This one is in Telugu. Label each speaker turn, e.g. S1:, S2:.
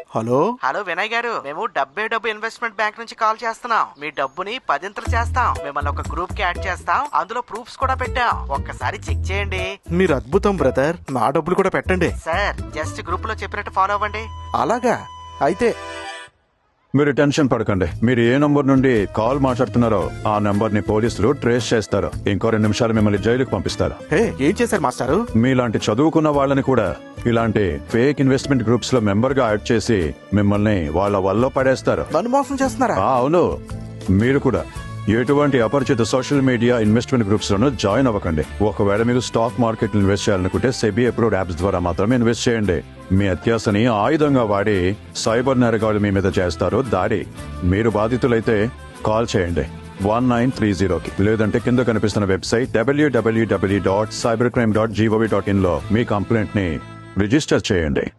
S1: హలో
S2: హలో వినయ్ గారు, మేము డబ్బు ఇన్వెస్ట్మెంట్ బ్యాంక్ నుంచి కాల్ చేస్తున్నాం. మీ డబ్బుని 10 చేస్తాం. మిమ్మల్ని ఒక గ్రూప్ కి యాడ్ చేస్తాం. అందులో ప్రూఫ్స్ కూడా పెట్టాం. ఒక్కసారి చెక్ చేయండి.
S1: మీరు అద్భుతం బ్రదర్, నా డబ్బులు కూడా పెట్టండి.
S2: సార్ జస్ట్ గ్రూప్ లో చెప్పినట్టు ఫాలో అవ్వండి.
S1: అలాగా అయితే
S3: మీరు టెన్షన్ పడకండి. మీరు ఏ నంబర్ నుండి కాల్ మాట్లాడుతున్నారో ఆ నంబర్ ని పోలీసులు ట్రేస్ చేస్తారు. ఇంకో 2 నిమిషాలు మిమ్మల్ని జైలుకి పంపిస్తారు.
S1: హే, ఏం చేశారు మాస్టారు?
S3: మీలాంటి చదువుకున్న వాళ్ళని కూడా ఇలాంటి ఫేక్ ఇన్వెస్ట్మెంట్ గ్రూప్స్ లో మెంబర్ గా యాడ్ చేసి మిమ్మల్ని వాళ్ళ వల్ల పడేస్తారు.
S1: నన్ను మోసం చేస్తున్నారా?
S3: అవును, మీరు కూడా ఎటువంటి అపరిచిత సోషల్ మీడియా ఇన్వెస్ట్మెంట్ గ్రూప్స్ లోనూ జాయిన్ అవ్వకండి. ఒకవేళ మీరు స్టాక్ మార్కెట్ ఇన్వెస్ట్ చేయాలనుకుంటే సెబీ అప్రూవ్డ్ యాప్స్ ద్వారా మాత్రమే ఇన్వెస్ట్ చేయండి. మీ అత్యాశని ఆయుధంగా వాడి సైబర్ నేరగాళ్లు మీ మీద చేస్తారు దాడి. మీరు బాధితులైతే కాల్ చేయండి 1930కి, లేదంటే కింద కనిపిస్తున్న వెబ్సైట్ www.cybercrime.gov.in లో మీ కంప్లైంట్ ని రిజిస్టర్ చేయండి.